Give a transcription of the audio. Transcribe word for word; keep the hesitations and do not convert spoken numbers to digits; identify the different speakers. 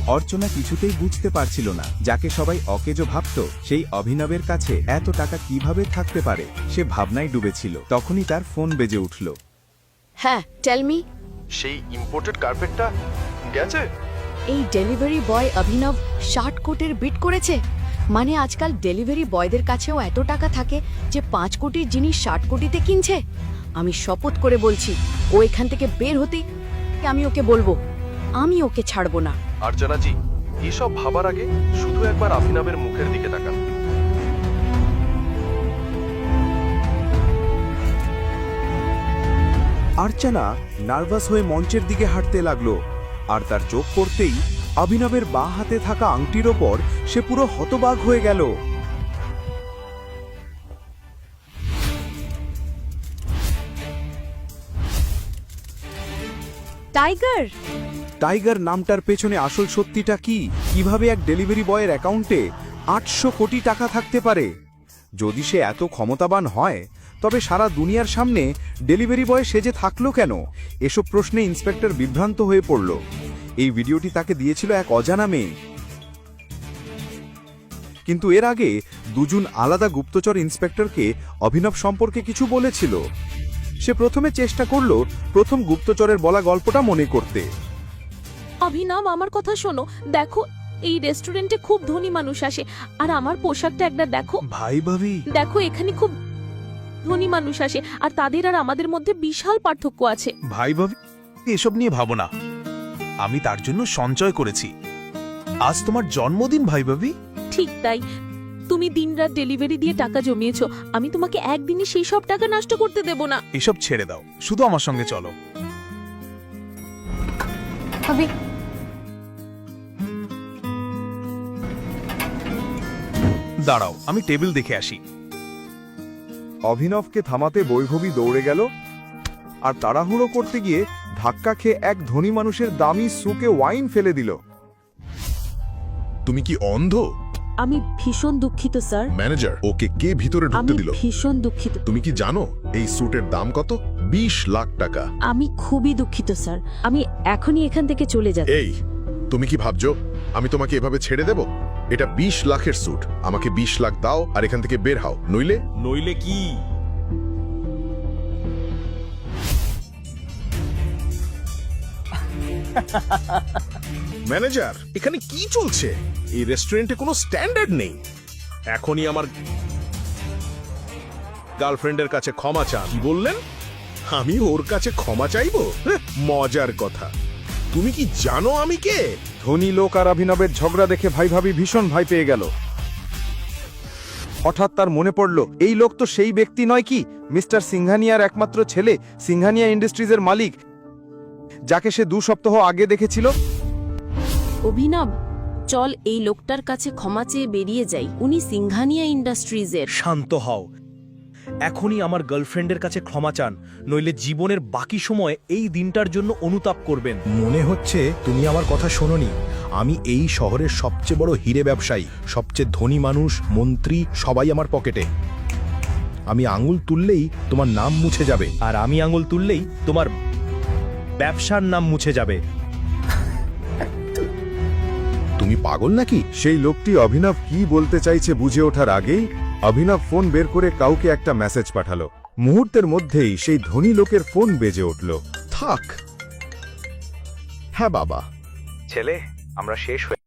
Speaker 1: অর্চনা কিছুতেই বুঝতে পারছিল না, যাকে সবাই অকেজো ভাবত সেই অভিনবের কাছে এত টাকা কিভাবে থাকতে পারে। সে ভাবনায় ডুবেছিল। তখনই তার ফোন বেজে উঠল।
Speaker 2: হ্যাঁ, টেল মি।
Speaker 3: সেই ইম্পোর্টেড কার্পেটটা গেছে?
Speaker 2: এই ডেলিভারি বয় অভিনব ষাট কোটির বিট করেছে। মানে আজকাল ডেলিভারি বয়দের কাছেও এত টাকা থাকে যে পাঁচ কোটির জিনিস ষাট কোটিতে কিনছে। আমি শপথ করে বলছি, ও এখান থেকে বের হতেই আমি ওকে বলবো, আমি ওকে ছাড়বো না।
Speaker 3: আর্চনাজি, এসব ভাবার আগে শুধু একবার অভিনবের মুখের দিকে তাকান।
Speaker 1: আর্চনা নার্ভাস হয়ে মঞ্চের দিকে হাঁটতে লাগলো, আর তার চোখ পড়তেই অভিনবের বাঁ হাতে থাকা আংটির ওপর সে পুরো হতবাক হয়ে গেল।
Speaker 2: টাইগার!
Speaker 1: টাইগার নামটার পেছনে আসল সত্যিটা কি? কিভাবে এক ডেলিভারি বয়ের অ্যাকাউন্টে আটশো কোটি টাকা থাকতে পারে? যদি সে এত ক্ষমতাবান হয়, তবে সারা দুনিয়ার সামনে ডেলিভারি বয় সেজে থাকলো কেন? এসব প্রশ্নে ইন্সপেক্টর বিভ্রান্ত হয়ে পড়ল। এই ভিডিওটি তাকে দিয়েছিল এক অজানা মেয়ে। কিন্তু এর আগে দুজন আলাদা গুপ্তচর ইন্সপেক্টরকে অভিনব সম্পর্কে কিছু বলেছিল। সে প্রথমে চেষ্টা করল প্রথম গুপ্তচরের বলা গল্পটা মনে করতে।
Speaker 4: অভিনব, আমার কথা শোনো। দেখো, এই রেস্টুরেন্টে খুব ধনী মানুষ আসে, আর আমার পোশাকটা একবার দেখো।
Speaker 1: ভাই ভাবি,
Speaker 4: দেখো, এখানে খুব ধনী মানুষ আসে, আর তাদের আর আমাদের মধ্যে বিশাল পার্থক্য আছে।
Speaker 5: ভাই ভাবি, এসব নিয়ে ভাবো না। আমি তার জন্য সঞ্চয় করেছি। আজ তোমার জন্মদিন ভাই ভাবি।
Speaker 4: ঠিক তাই, তুমি দিনরাত ডেলিভারি দিয়ে টাকা জমিয়েছো। আমি তোমাকে একদিনই সেই সব টাকা নষ্ট করতে দেব না।
Speaker 5: এসব ছেড়ে দাও, শুধু আমার সঙ্গে চলো।
Speaker 2: ভাবি,
Speaker 5: দাঁড়াও, আমি টেবিল দেখে আসি।
Speaker 1: অভিনবকে থামাতে বৈভবী দৌড়ে গেল, আর তাড়াহুড়ো করতে গিয়ে ধাক্কা খেয়ে এক ধনী মানুষের দামি সুকে ওয়াইন ফেলে দিল।
Speaker 6: তুমি কি অন্ধ?
Speaker 4: আমি ভীষণ দুঃখিত স্যার।
Speaker 6: ম্যানেজার, ওকে কে ভিতরে
Speaker 4: আমি
Speaker 6: ঢুকতে দিল?
Speaker 4: ভীষণ দুঃখিত।
Speaker 6: তুমি কি জানো এই স্যুটের দাম কত? বিশ লাখ টাকা।
Speaker 4: আমি খুবই দুঃখিত স্যার। আমি এখনই এখান থেকে চলে যাচ্ছি।
Speaker 6: এই, তুমি কি ভাবছো আমি তোমাকে এভাবে ছেড়ে দেব? এটা বিশ লাখের স্যুট। আমাকে বিশ লাখ দাও আর এখান থেকে বের হও, নইলে
Speaker 5: নইলে কি?
Speaker 6: ম্যানেজার, এখানে কি চলছে? এই রেস্টুরেন্টে কোনো স্ট্যান্ডার্ড নেই। এখনই আমার গার্লফ্রেন্ডের কাছে ক্ষমা চান। কি বললেন? আমি ওর কাছে ক্ষমা চাইবো? হ্যাঁ, মজার কথা। তুমি কি জানো আমি কে?
Speaker 1: ধনী লোক আর অভিনবের ঝগড়া দেখে ভাই ভাবি ভীষণ ভয় পেয়ে গেল। হঠাৎ তার মনে পড়ল, এই লোক তো সেই ব্যক্তি নয় কি, মিস্টার সিংহানিয়ার একমাত্র ছেলে, সিংহানিয়া ইন্ডাস্ট্রিজের মালিক, যাকে সে দু সপ্তাহ আগে দেখেছিল।
Speaker 4: অভিনব, চল এই লোকটার কাছে ক্ষমা চেয়ে বেরিয়ে যাই। উনি সিংহানিয়া ইন্ডাস্ট্রিজের।
Speaker 7: শান্ত হও। এখনই আমার গার্লফ্রেন্ডের কাছে ক্ষমা চান, নইলে জীবনের বাকি সময় এই দিনটার জন্য অনুতাপ করবেন।
Speaker 8: মনে হচ্ছে তুমি আমার কথা শোনোনি। আমি এই শহরের সবচেয়ে বড় হিরে ব্যবসায়ী, সবচেয়ে ধনী মানুষ, মন্ত্রী সবাই আমার পকেটে। আমি আঙুল তুললেই তোমার নাম মুছে যাবে।
Speaker 7: আর আমি আঙুল তুললেই তোমার ব্যবসার নাম মুছে যাবে।
Speaker 8: তুমি পাগল নাকি?
Speaker 1: সেই লোকটি অভিনব কি বলতে চাইছে বুঝে ওঠার আগেই অভিনব ফোন বের করে কাউকে একটা মেসেজ পাঠালো। মুহূর্তের মধ্যেই সেই ধনী লোকের ফোন বেজে উঠল।
Speaker 8: থাক। হ্যাঁ বাবা।
Speaker 5: ছেলে, আমরা শেষ হয়ে